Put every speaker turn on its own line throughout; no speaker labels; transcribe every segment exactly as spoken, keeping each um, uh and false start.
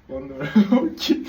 Ondan kim?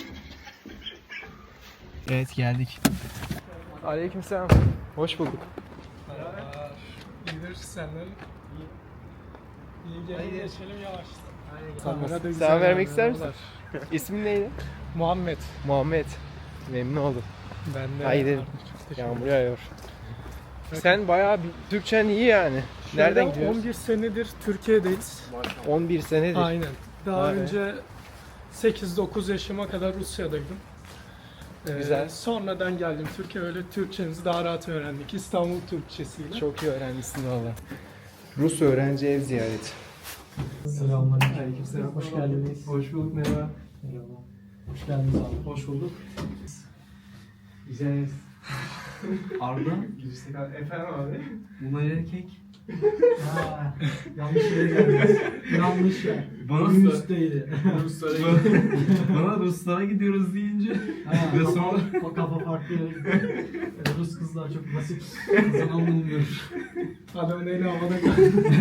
Evet geldik. Aleykümselam. Hoş bulduk.
Merhabalar. İyidir senden. İyi gelin geçelim yavaştan.
Selam vermek ister misin? İsmin neydi?
Muhammed.
Muhammed. Memnun oldum.
Ben de.
Haydi.
Çok teşekkür
Yağmur
ederim.
yağıyor. Sen bayağı bir Türkçen iyi yani. Nereden
Şöyle
gidiyoruz?
on bir senedir Türkiye'deyiz.
on bir senedir.
Aynen. Daha
Vay be.
önce sekiz dokuz yaşıma kadar Rusya'daydım. Ee,
Güzel.
Sonradan geldim Türkiye, öyle Türkçemizi daha rahat öğrendik. İstanbul Türkçesiyle.
Çok iyi öğrenmişsin valla. Rus öğrenci ev ziyareti.
Selamünaleyküm. Aleykümselam. Hoş geldiniz.
Hoş bulduk, merhaba.
Merhaba. Hoş geldiniz abi. Hoş bulduk. Güzel. Arda.
Efendim abi?
Bunlar erkek. Ha, yanlış yere geldiniz. Yanlış yer.
Bana
Rus değil.
Bana Ruslara gidiyoruz deyince
Ha,
ve
kafa,
sonra
o kafa farklı yere gidiyor. Ee, Rus kızlar çok basit. Zaman bulmuyor.
Adam neyle havada kaldı.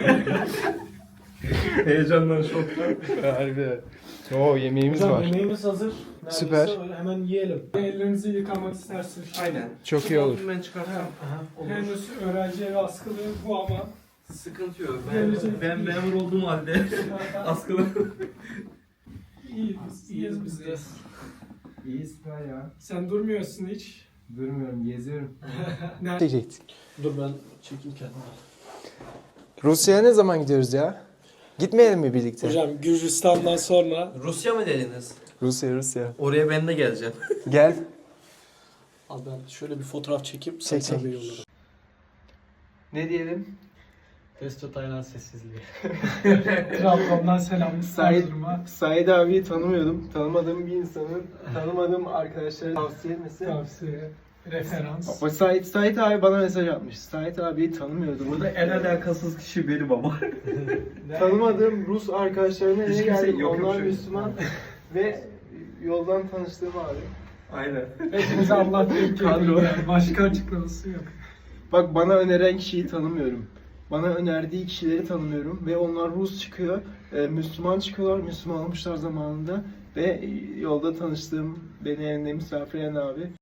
heyecandan şoktan.
Harbi. Oo yemeğimiz
Hocam
var.
yemeğimiz hazır. Neredeyse
Süper.
öyle hemen yiyelim.
Ellerinizi yıkamak istersiniz.
Aynen.
Çok iyi olur.
Ben çıkarsam
Aha, olur.
Henüz öğrenci evi askılı bu ama
sıkıntı yok.
Gelecek.
Ben, ben memur olduğum halde askılı.
iyiyiz, biz, iyiyiz biz de.
İyi süper ya.
Sen durmuyorsun hiç.
Durmuyorum, geziyorum.
Nerede?
Diyecektik.
Dur ben çekeyim kendimi.
Rusya'ya ne zaman gidiyoruz ya? Gitmeyelim mi birlikte?
Hocam Gürcistan'dan sonra
Rusya mı dediniz?
Rusya, Rusya.
Oraya ben de geleceğim.
Gel.
Al ben şöyle bir fotoğraf çekip
Çek,
sana
çek.
yollarım.
Ne diyelim?
Testo Tayland sessizliği.
Trabzon'dan selam.
Said,
Erzurum'a
Said abiyi tanımıyordum. Tanımadığım bir insanın, tanımadığım arkadaşlara tavsiye etmesi.
tavsiye, referans.
Ama Said, Said abi bana mesaj atmış. Said abiyi tanımıyordum.
Burada en alakasız kişi benim ama.
Tanımadığım Rus arkadaşlarına
Hiç
niye
kimse
geldim?
yok, yok
Onlar
şey.
Müslüman ve yoldan tanıştığım abi.
Aynen.
Hepimize Allah denk
Kadro.
geliyor. Yani. Başka açıklaması yok.
Bak bana öneren kişiyi tanımıyorum. Bana önerdiği kişileri tanımıyorum ve onlar Rus çıkıyor, e, Müslüman çıkıyorlar, Müslüman olmuşlar zamanında ve yolda tanıştığım, beni evinde misafir eden abi